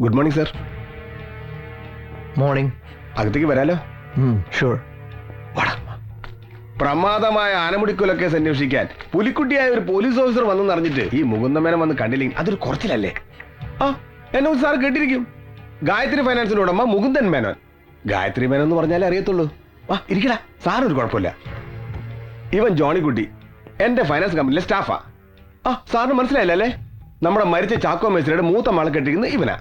Good morning sir. Morning. അകത്തേക്ക് വരാലോ? Sure. പ്രമാദമായ ആനമുടിക്കൊല case അന്വേഷിക്കാൻ പുലിക്കുട്ടിയായ ഒരു പോലീസ് ഓഫീസർ വന്നെന്ന് അറിഞ്ഞിട്ട് ഈ മുകുന്ദമേനൻ വന്ന് കണ്ടില്ലെങ്കിൽ അതൊരു കുറച്ചിലല്ലേ? ആ എന്നെ സാർ കേട്ടിരിക്കും. ഗായത്രി ഫൈനാൻസിന്റെ ഉടമ മുകുന്ദൻ മേനോൻ. ഗായത്രി മേനോൻ എന്ന് പറഞ്ഞാലേ അറിയത്തുള്ളൂ. ആ ഇരിക്കടാ, സാറൊരു കുഴപ്പമില്ല. ഇവൻ ജോണിക്കുട്ടി എന്റെ ഫൈനാൻസ് കമ്പനിയിലെ സ്റ്റാഫാ. ആ സാറിന് മനസ്സിലായില്ല അല്ലേ? നമ്മുടെ മരിച്ച ചാക്കോ മേസ്ത്രിയുടെ മൂത്ത മാളെ കെട്ടിക്കുന്നത് ഇവനാ.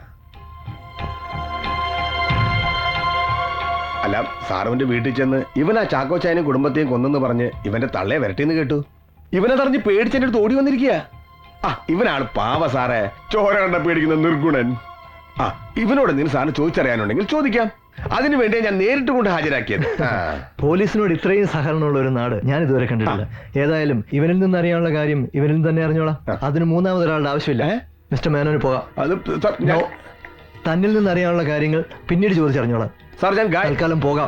അല്ല, സാറുവിന്റെ വീട്ടിൽ ചെന്ന് ഇവനാ ചാക്കോ ചായനും കുടുംബത്തെയും കൊന്നെന്ന് പറഞ്ഞ് ഇവന്റെ തള്ളയെ വരട്ടിന്ന് കേട്ടു. ഇവനെ തറഞ്ഞ് പേടിച്ചെന്റെ അടുത്ത് ഓടി വന്നിരിക്കുക. ആ ഇവനാണ് പാവ സാറേ, ചോര കണ്ട പേടിക്കുന്ന നിർഗുണൻ. ആ ഇവനോട് എന്തെങ്കിലും സാറിന് ചോദിച്ചറിയാനുണ്ടെങ്കിൽ ചോദിക്കാം. അതിനു വേണ്ടിയാ ഞാൻ നേരിട്ട് കൊണ്ട് ഹാജരാക്കിയത്. പോലീസിനോട് ഇത്രയും സഹകരണമുള്ള ഒരു നാട് ഞാൻ ഇതുവരെ കണ്ടിട്ടില്ല. ഏതായാലും ഇവനിൽ നിന്ന് അറിയാനുള്ള കാര്യം ഇവനിൽ തന്നെ അറിഞ്ഞോളാം. അതിന് മൂന്നാമതൊരാളുടെ ആവശ്യമില്ല. മിസ്റ്റർ മേനോന് പോകാം. അത് തന്നിൽ നിന്ന് അറിയാനുള്ള കാര്യങ്ങൾ പിന്നീട് ചോദിച്ചറിഞ്ഞോളാം. സാർ ഞാൻ തൽക്കാലം പോകാം.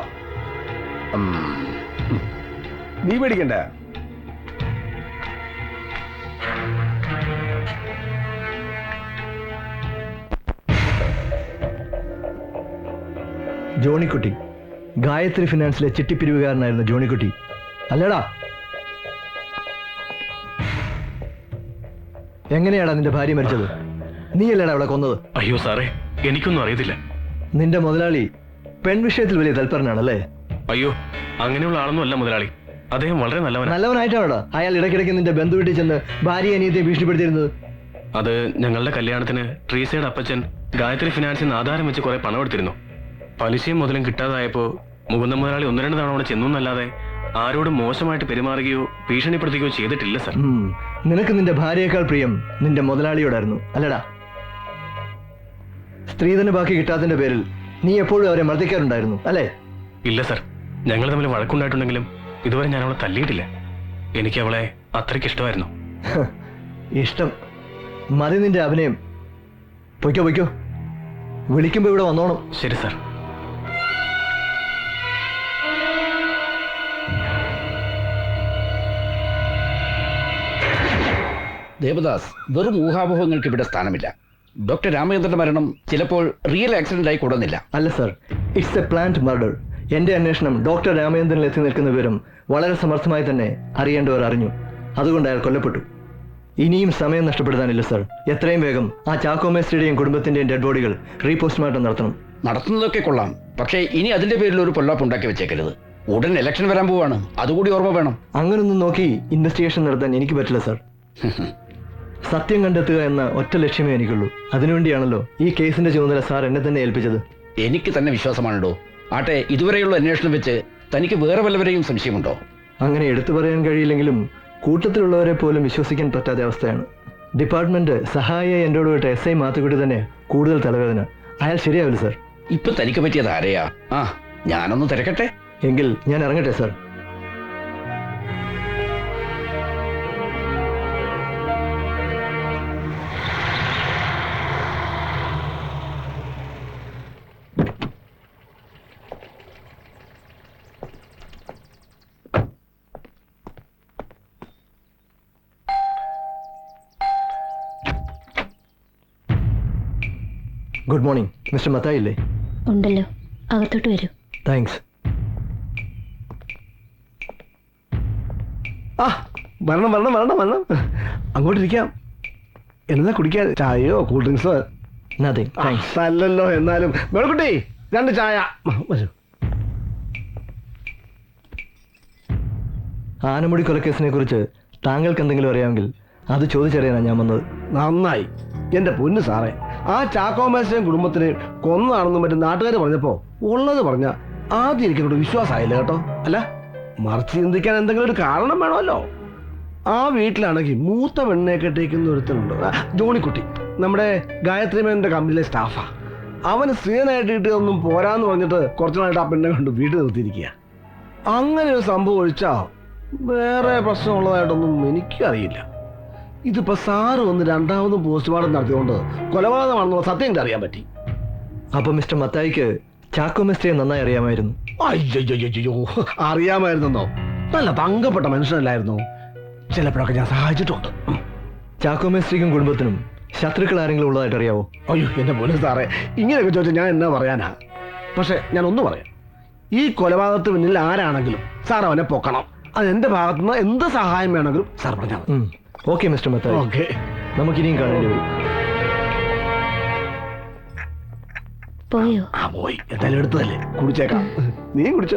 നീ പേടിക്കണ്ട. ജോണിക്കുട്ടി ഗായത്രി ഫിനാൻസിലെ ചിട്ടിപ്പിരിവുകാരനായിരുന്ന ജോണിക്കുട്ടി അല്ലേടാ? എങ്ങനെയാടാ നിന്റെ ഭാര്യ മരിച്ചത്? നീയല്ലേടാ അവളെ കൊന്നത്? അയ്യോ സാറേ, എനിക്കൊന്നും അറിയത്തില്ല. നിന്റെ മുതലാളി പെൺവിഷയത്തിൽ വലിയ തൽപരനാണല്ലേ? അയ്യോ, അങ്ങനെയുള്ള ആളൊന്നും അല്ല മുതലാളി. അദ്ദേഹം വളരെ നല്ലവനായിട്ടാണോടാ അയാൾ ഇടയ്ക്കിടയ്ക്ക് നിന്റെ ബന്ധു വീട്ടിൽ ചെന്ന് ഭാര്യ അനിയത്തെ ഭീഷണിപ്പെടുത്തിയിരുന്നത്? അത് ഞങ്ങളുടെ കല്യാണത്തിന് ട്രീസയുടെ അപ്പച്ചൻ ഗായത്രി ഫിനാൻസിൽ നിന്ന് ആധാരം വെച്ച് കുറെ പണം എടുത്തിരുന്നു. പലിശയും മുതലും കിട്ടാതായപ്പോ മുകുന്ദ മുതലാളി 1-2 തവണ അവിടെ ചെന്നു എന്നല്ലാതെ ആരോടും മോശമായിട്ട് പെരുമാറുകയോ ഭീഷണിപ്പെടുത്തുകയോ ചെയ്തിട്ടില്ല സർ. നിനക്ക് നിന്റെ ഭാര്യയേക്കാൾ പ്രിയം നിന്റെ മുതലാളിയോടായിരുന്നു അല്ലടാ? സ്ത്രീധന ബാക്കി കിട്ടാത്തതിന്റെ പേരിൽ നീ എപ്പോഴും അവരെ മർദ്ദിക്കാറുണ്ടായിരുന്നു അല്ലേ? ഇല്ല സർ, ഞങ്ങൾ തമ്മിൽ വഴക്കുണ്ടായിട്ടുണ്ടെങ്കിലും ഇതുവരെ ഞാൻ അവളെ തല്ലിയിട്ടില്ല. എനിക്ക് അവളെ അത്രയ്ക്ക് ഇഷ്ടമായിരുന്നു. ഇഷ്ടം മതി നിന്റെ അഭിനയം. പൊയ്ക്കോ, വിളിക്കുമ്പോ ഇവിടെ വന്നോണം. ശരി സർ. ദേവദാസ്, വെറും ഊഹാപോഹങ്ങൾക്ക് ഇവിടെ സ്ഥാനമില്ല. ഡോക്ടർ രാമചന്ദ്രന്റെ മരണം ചിലപ്പോൾ റിയൽ ആക്സിഡന്റ് ആയി കൂടുന്നില്ല. അല്ല sir, it's a planned murder. എന്റെ അന്വേഷണം ഡോക്ടർ രാമചന്ദ്രനിൽ എത്തി നിൽക്കുന്ന വിവരം വളരെ സമർത്ഥമായി തന്നെ അറിയേണ്ടവർ അറിഞ്ഞു. അതുകൊണ്ട് അയാൾ കൊല്ലപ്പെട്ടു. ഇനിയും സമയം നഷ്ടപ്പെടുത്താനില്ല സർ. എത്രയും വേഗം ആ ചാക്കോ മേസ്ത്രിയുടെയും കുടുംബത്തിന്റെയും ഡെഡ് ബോഡികൾ റീപോസ്റ്റ്മോർട്ടം നടത്തണം. നടത്തുന്നതൊക്കെ കൊള്ളാം, പക്ഷേ ഇനി അതിന്റെ പേരിൽ ഒരു പൊല്ലാപ്പ് ഉണ്ടാക്കി വെച്ചേക്കരുത്. ഉടൻ ഇലക്ഷൻ വരാൻ പോവാണ്, അതുകൂടി ഓർമ്മ വേണം. അങ്ങനൊന്നും നോക്കി ഇൻവെസ്റ്റിഗേഷൻ നടത്താൻ എനിക്ക് പറ്റില്ല സർ. സത്യം കണ്ടെത്തുക എന്ന ഒറ്റ ലക്ഷ്യമേ എനിക്കുള്ളൂ. അതിനുവേണ്ടിയാണല്ലോ ഈ കേസിന്റെ ചുമതല സാർ എന്നെ തന്നെ ഏൽപ്പിച്ചത്. എനിക്ക് തന്നെ വിശ്വാസമാണല്ലോ. ആട്ടെ, ഇതുവരെയുള്ള അന്വേഷണം വെച്ച് തനിക്ക് വേറെ വല്ലവരെയും സംശയമുണ്ടോ? അങ്ങനെ എടുത്തു പറയാൻ കഴിയില്ലെങ്കിലും കൂട്ടത്തിലുള്ളവരെ പോലും വിശ്വസിക്കാൻ പറ്റാത്ത അവസ്ഥയാണ്. ഡിപ്പാർട്ട്മെന്റ് സഹായിയായി എന്നോട് വിട്ട SI മാത്തുക്കുട്ടി തന്നെ കൂടുതൽ തലവേദന. അയാൾ ശരിയാവില്ല സർ. ഇപ്പൊ തനിക്ക് പറ്റിയത് ആരെയാ? ഞാനൊന്ന് തിരക്കട്ടെ. എങ്കിൽ ഞാൻ ഇറങ്ങട്ടെ sir. Good morning. Mister Mathai ഇല്ലേ? ഉണ്ടല്ലോ, അകത്തോട്ട് വരൂ. താങ്ക്സ്. വരണം. അങ്ങോട്ടിരിക്കാം. എന്താ കുടിക്കാൻ? ചായയോ കൂൾ ഡ്രിങ്ക്സോ? Nothing thanks. അല്ലല്ലോ. എന്നാലും മേളക്കുട്ടി 2 ചായ. ആനമുടി കൊലക്കേസിനെ കുറിച്ച് താങ്കൾക്ക് എന്തെങ്കിലും അറിയാമെങ്കിൽ അത് ചോദിച്ചറിയാനാണ് ഞാൻ വന്നത്. നന്നായി എന്റെ പൊന്നു സാറേ. ആ ചാക്കോ മേസ്ത്രിയും കുടുംബത്തിന് കൊന്നതാണെന്നും മറ്റും നാട്ടുകാർ പറഞ്ഞപ്പോ ഉള്ളത് പറഞ്ഞ ആദ്യം എനിക്കോട് വിശ്വാസമായില്ല കേട്ടോ. അല്ല, മറിച്ച് ചിന്തിക്കാൻ എന്തെങ്കിലും ഒരു കാരണം വേണമല്ലോ. ആ വീട്ടിലാണെങ്കിൽ മൂത്ത പെണ്ണിനെ കെട്ടിക്കുന്ന ഒരുത്തനുണ്ട്, ജോണിക്കുട്ടി. നമ്മുടെ ഗായത്രി മേനന്റെ കമ്പനിയിലെ സ്റ്റാഫാ. അവന് സ്ത്രീനായിട്ട് കിട്ടിയതൊന്നും പോരാന്ന് പറഞ്ഞിട്ട് കുറച്ചു നാളായിട്ട് ആ പെണ്ണെ കൊണ്ട് വീട്ടിൽ നിർത്തിയിരിക്കുക. അങ്ങനെ ഒരു സംഭവം ഒഴിച്ചാ വേറെ പ്രശ്നമുള്ളതായിട്ടൊന്നും എനിക്കറിയില്ല. ഇതിപ്പോ സാറ് വന്ന് 2ാമതും പോസ്റ്റ്മോർട്ടം നടത്തിയോണ്ട് കൊലപാതകമാണെന്നുള്ള സത്യം എനിക്ക് അറിയാൻ പറ്റി. അപ്പൊ മിസ്റ്റർ മത്തായിക്ക് ചാക്കോ മേസ്ത്രിയെ നന്നായി അറിയാമായിരുന്നു? അയ്യോ, അറിയാമായിരുന്നോ? നല്ല തങ്കപ്പെട്ട മനുഷ്യനല്ലായിരുന്നു. ചിലപ്പോഴൊക്കെ ഞാൻ സഹായിച്ചിട്ടുണ്ട്. ചാക്കോ മേസ്ത്രിക്കും കുടുംബത്തിനും ശത്രുക്കൾ ആരെങ്കിലും ഉള്ളതായിട്ട് അറിയാവോ? അയ്യോ എൻ്റെ പൊന്നു സാറേ, ഇങ്ങനെയൊക്കെ ചോദിച്ചാൽ ഞാൻ എന്നാ പറയാനാ. പക്ഷെ ഞാൻ ഒന്ന് പറയാം, ഈ കൊലപാതകത്തിന് പിന്നിൽ ആരാണെങ്കിലും സാർ അവനെ പൊക്കണം. അത് എൻ്റെ ഭാഗത്തുനിന്ന് എന്ത് സഹായം വേണമെങ്കിലും സാർ പറഞ്ഞാൽ മതി. Okay mister Mathai, okay. നമുക്കിനിയും കാണേണ്ടി വരും. പോയോ? ആ പോയി, എന്തായാലും എടുത്തതല്ലേ, കുടിച്ചേക്കാം. നീ കുടിച്ചോ.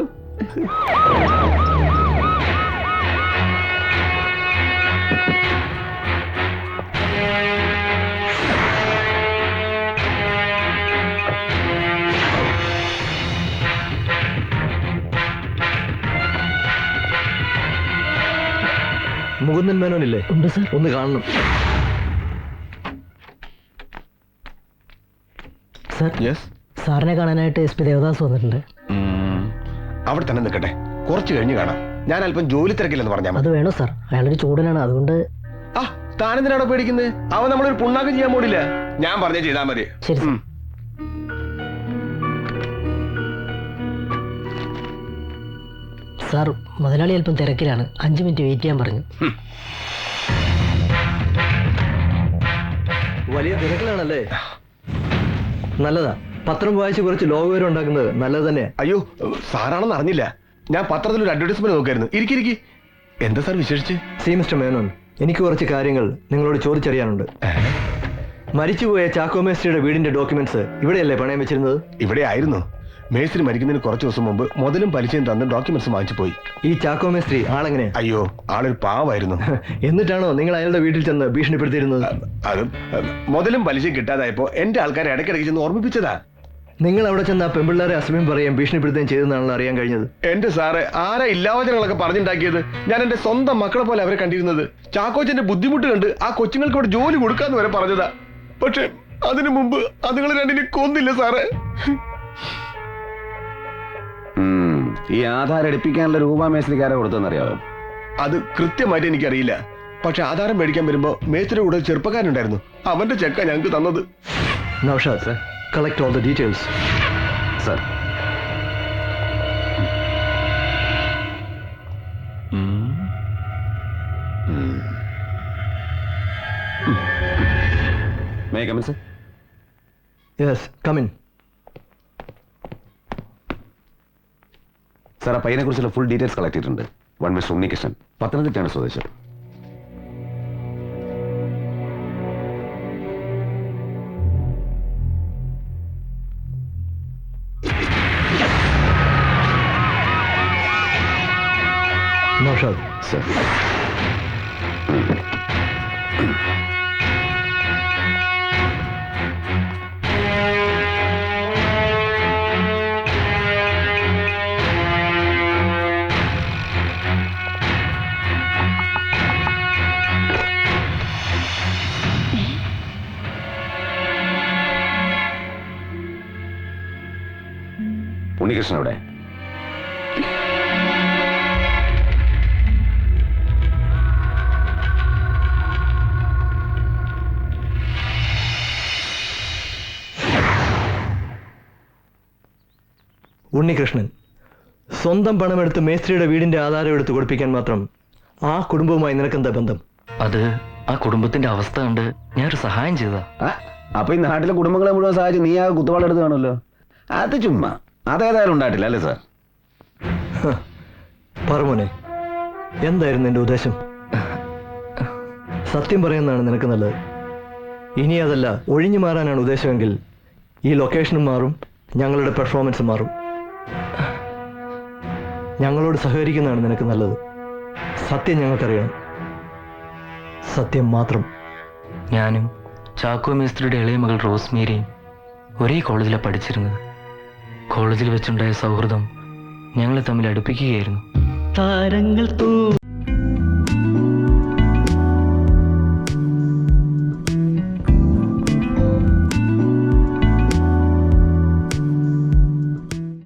മുകുന്ദൻ മേനോനില്ലേ? ഉണ്ട് സർ. ഒന്ന് കാണണം. സർ, സാറിനെ കാണാനായിട്ട് SP ദേവദാസ് വന്നിട്ടുണ്ട്. അവിടെ തന്നെ നിൽക്കട്ടെ, കുറച്ച് കഴിഞ്ഞ് കാണാം. ഞാൻ അല്പം ജോലി തിരക്കില്ലെന്ന് പറഞ്ഞാൽ അത് വേണോ സാർ? അയാളൊരു ചൂടനാണ്, അതുകൊണ്ട്. ആ താനെന്തിനാണോ പേടിക്കുന്നത്? അവൻ നമ്മളൊരു പുണ്ണാക്കം ചെയ്യാൻ പോടില്ല. ഞാൻ പറഞ്ഞേ ചെയ്താൽ മതി. ശരി സർ. സാർ, മുതലാളി അല്പം തിരക്കിലാണ്, 5 മിനിറ്റ് വെയിറ്റ് ചെയ്യാൻ പറഞ്ഞു. വലിയ തിരക്കിലാണല്ലേ? നല്ലതാ, പത്രം വായിച്ച് കുറച്ച് ലോകവിവരം ഉണ്ടാക്കുന്നത് നല്ലത് തന്നെ. അയ്യോ സാറാണെന്ന് അറിഞ്ഞില്ല. ഞാൻ പത്രത്തിൽ ഒരു അഡ്വർടൈസ്മെന്റ് നോക്കായിരുന്നു. ഇരിക്കിരിക്കി. എന്താ സാർ വിശേഷിച്ച്? സി മിസ്റ്റർ മേനോൻ, എനിക്ക് കുറച്ച് കാര്യങ്ങൾ നിങ്ങളോട് ചോദിച്ചറിയാനുണ്ട്. മരിച്ചുപോയ ചാക്കോ മേസ്ത്രിയുടെ വീടിന്റെ ഡോക്യുമെന്റ്സ് ഇവിടെയല്ലേ പണയം വെച്ചിരുന്നത്? ഇവിടെ ആയിരുന്നു. മേസ്ത്രി മരിക്കുന്നതിന് കുറച്ച് ദിവസം മുമ്പ് മുതലും പലിശയും തന്ന് ഡോക്യുമെന്റ്സ് വാങ്ങിച്ചു പോയി. ഈ ചാക്കോ മേസ്ത്രി ആളെങ്ങനെ? അയ്യോ ആളൊരു പാവായിരുന്നു. എന്നിട്ടാണോ നിങ്ങൾ അയാളുടെ വീട്ടിൽ ചെന്ന് ഭീഷണിപ്പെടുത്തിയിരുന്നത്? അത് മുതലും പലിശയും കിട്ടാതായപ്പോ എന്റെ ആൾക്കാരെ ഇടയ്ക്കിടയ്ക്ക് ചെന്ന് ഓർമ്മിപ്പിച്ചതാ. നിങ്ങൾ അവിടെ ചെന്ന് ആ പെമ്പിള്ളേരെ അസമയം പറയുകയും ഭീഷണിപ്പെടുത്തുകയും ചെയ്തെന്നാണല്ലോ അറിയാൻ കഴിഞ്ഞത്. എന്റെ സാറ് ആരാ ഇല്ലാവചനങ്ങളൊക്കെ പറഞ്ഞുണ്ടാക്കിയത്? ഞാൻ എന്റെ സ്വന്തം മക്കളെ പോലെ അവരെ കണ്ടിരുന്നത്. ചാക്കോച്ചന്റെ ബുദ്ധിമുട്ട് കണ്ട് ആ കൊച്ചുങ്ങൾക്ക് ഇവിടെ ജോലി കൊടുക്കാന്ന് വരെ പറഞ്ഞതാ. പക്ഷെ അതിനു മുമ്പ് അതുങ്ങൾ രണ്ടിനെ കൊന്നില്ല സാറേ. ഈ ആധാരം എടുപ്പിക്കാനുള്ള രൂപ മേസ്ത്രിക്കാരെ കൊടുത്തെന്നറിയാവോ? അത് കൃത്യമായിട്ട് എനിക്കറിയില്ല. പക്ഷെ ആധാരം മേടിക്കാൻ വരുമ്പോ മേസ്ത്രിയുടെ കൂടെ ചെറുപ്പക്കാരനുണ്ടായിരുന്നു. അവന്റെ ചെക്ക ഞങ്ങൾക്ക് തന്നത്. Naushad sir, collect all the details. Sir. May I come in, sir? Yes, come in. Sir, ആ പയ്യനെ കുറിച്ചുള്ള ഫുൾ ഡീറ്റെയിൽസ് കളക്ട് ചെയ്തിട്ടുണ്ട്. വൺ മിസ്റ്റർ ഉണ്ണികൃഷ്ണൻ, പത്തനംതിട്ടയാണ് സ്വദേശം. നൗഷാദ് സർ. ഉണ്ണികൃഷ്ണൻ അവിടെ? ഉണ്ണികൃഷ്ണൻ സ്വന്തം പണമെടുത്ത് മേസ്ത്രിയുടെ വീടിന്റെ ആധാരം എടുത്ത് കൊടുപ്പിക്കാൻ മാത്രം ആ കുടുംബവുമായി നിനക്കെന്താ ബന്ധം? അത് ആ കുടുംബത്തിന്റെ അവസ്ഥ കണ്ട് ഞാനൊരു സഹായം ചെയ്തതാ. അപ്പൊ ഈ നാട്ടിലെ കുടുംബങ്ങളെ മുഴുവൻ സഹായിച്ച് നീ ആ കുത്തുവാളെടുത്ത് കാണുമല്ലോ. അത് ചുമ്മാ, അതേതായാലും ഉണ്ടായിട്ടില്ല അല്ലേ സാർ? പറമോനെ, എന്തായിരുന്നു എന്റെ ഉദ്ദേശം? സത്യം പറയുന്നതാണ് നിനക്ക് നല്ലത്. ഇനി അതല്ല ഒഴിഞ്ഞു മാറാനാണ് ഉദ്ദേശമെങ്കിൽ ഈ ലൊക്കേഷനും മാറും, ഞങ്ങളുടെ പെർഫോമൻസ് മാറും. ഞങ്ങളോട് സഹകരിക്കുന്നതാണ് നിനക്ക് നല്ലത്. സത്യം ഞങ്ങൾക്കറിയണം, സത്യം മാത്രം. ഞാനും ചാക്കോ മേസ്ത്രിയുടെ ഇളയ മകൾ റോസ്മേരിയും ഒരേ കോളേജിലാണ് പഠിച്ചിരുന്നത്. കോളേജിൽ വെച്ചുണ്ടായ സൗഹൃദം ഞങ്ങളെ തമ്മിൽ അടുപ്പിക്കുകയായിരുന്നു. താരങ്ങൾ